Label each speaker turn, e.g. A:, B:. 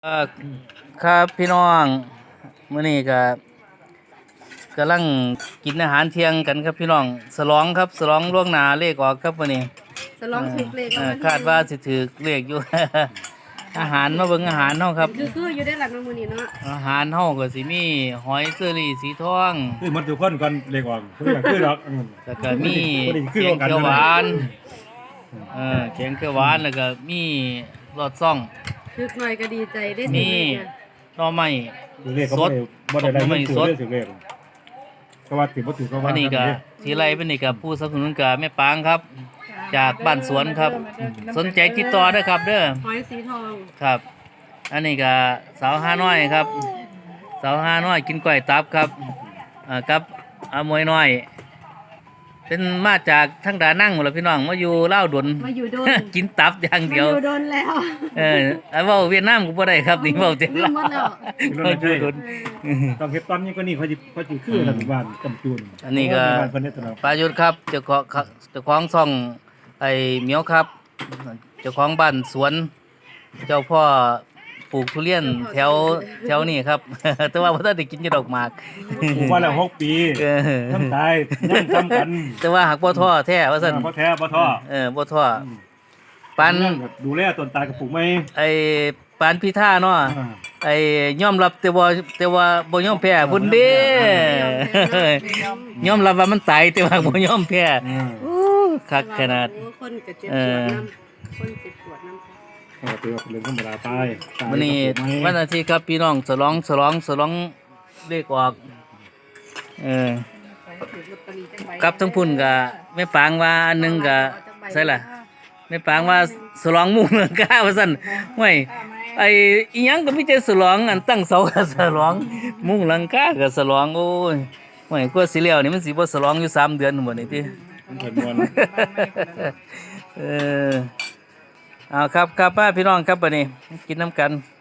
A: เอ่อครับพี่น้องมื้อนี้ก็กำลังกินอาหารเที่ยงกันครับพี่น้องฉลองครับฉลองล่วงหน้าเลขออกครับมื้อนี้
B: จะลองถูกเลข
A: คาดว่าสิถูกเลขอยู่ อาหารมาเบิ่งอาหารเฮาครับ
B: คืออยู่ได้หลังน้ำมือนี่เนาะ
A: อาหารเฮาก็สิมีหอยเชอรี่สีทอง
C: คือมันทุกคนก่อนเรียกว่าคืออย่างคือดอก
A: แล้วก็มี
C: คือ
A: แกง
C: กัน
A: เขียวหวานแกงเขียวหวานแล้วก็มีรสซ่อง
B: คือหน่อยก็ดีใจได้
A: มีหน่อไม้
C: เรียกก็บ่ได้ได้เงินซื้อเรียกก็ว่าถือบ่ถือก็ว่า
A: อันนี้ก็ทีไรเป็นนี่กับผู้สนับสนุนกับแม่ปางครับ จากบ้านสวนครับ สนใจติดต่อได้ครับเด้อ
B: หอยสีทอง
A: ครับ อันนี้ก็สาวห้าน้อยครับ สาวห้าน้อยกินกล้วยตับครับกับอามวยน้อย เป็นมาจากทั้งดานั่งหมดแล้วพี่น้องมาอยู่เล่าวดน
B: มาอยู่โดน
A: กินตับอย่าง
B: มา
A: เดียว
B: อยู่โดนแล้ว
A: เว้าเวียดนามก็บ่ได้ครับนี่เว้าเจ็ด
B: ลืมหมดแล้ว
A: มาอยู่ดน
C: ต้องเฮ็ดตอนนี้ก็นี่เขาสิคือรัฐบาลกำจูน
A: อันนี้ก็
C: เพิ่นเฮ็ดตลอด
A: ปายุทธครับเจ้าของช่องไอ้เหมียวครับ เจ้าของบ้านสวน เจ้าพ่อปลูกทุเรียนแถวนี้ครับ แต่ว่าบ่ทันได้กินอยู่ดอกหมาก
C: ปลูกมาแล้ว6 ปี
A: เออ
C: ทำตายยังทำกัน
A: แต่ว่าหักบ่ท้อแท้ว่าซั่น
C: บ่แท้บ่ท้อ
A: บ่ท้อปาน
C: ดูแลต้นตาลกับปลูกไหม
A: ไอ้ปานพิธาเนาะไอ้ยอมรับแต่ว่าบ่ยอมแพ้พุ่นเด้ ยอมรับว่ามันตายแต่ว่าบ่ยอมแพ้คักขนาด
B: คนก็เจ็บปวดน้ำคนเจ็บปวดน้ำ
C: ก็ถือว่าเป็นเรื่องธรรมดาตาย
A: วันนี้วันอาทิตย์ครับพี่น้องฉลองเลขออกกับทั้งพุ่นก็แม่ปางว่าอันหนึงก็ใช่ล่ะแม่ปางว่าฉลองมุ่งเมืองกาว่าซั่นห้วยไอ้อีหยังก็มีแต่ฉลองอันตั้งเสาก็ฉลองมุ่งหลังคาก็ฉลองโอ้ยห้วยกว่าสิแล้วนี่มันสิบ่ฉลองอยู่3 เดือนหมดนี่ติ
C: เพิ่นม่วน
A: เอาครับป้าพี่น้องครับบัดนี้กินน้ำกัน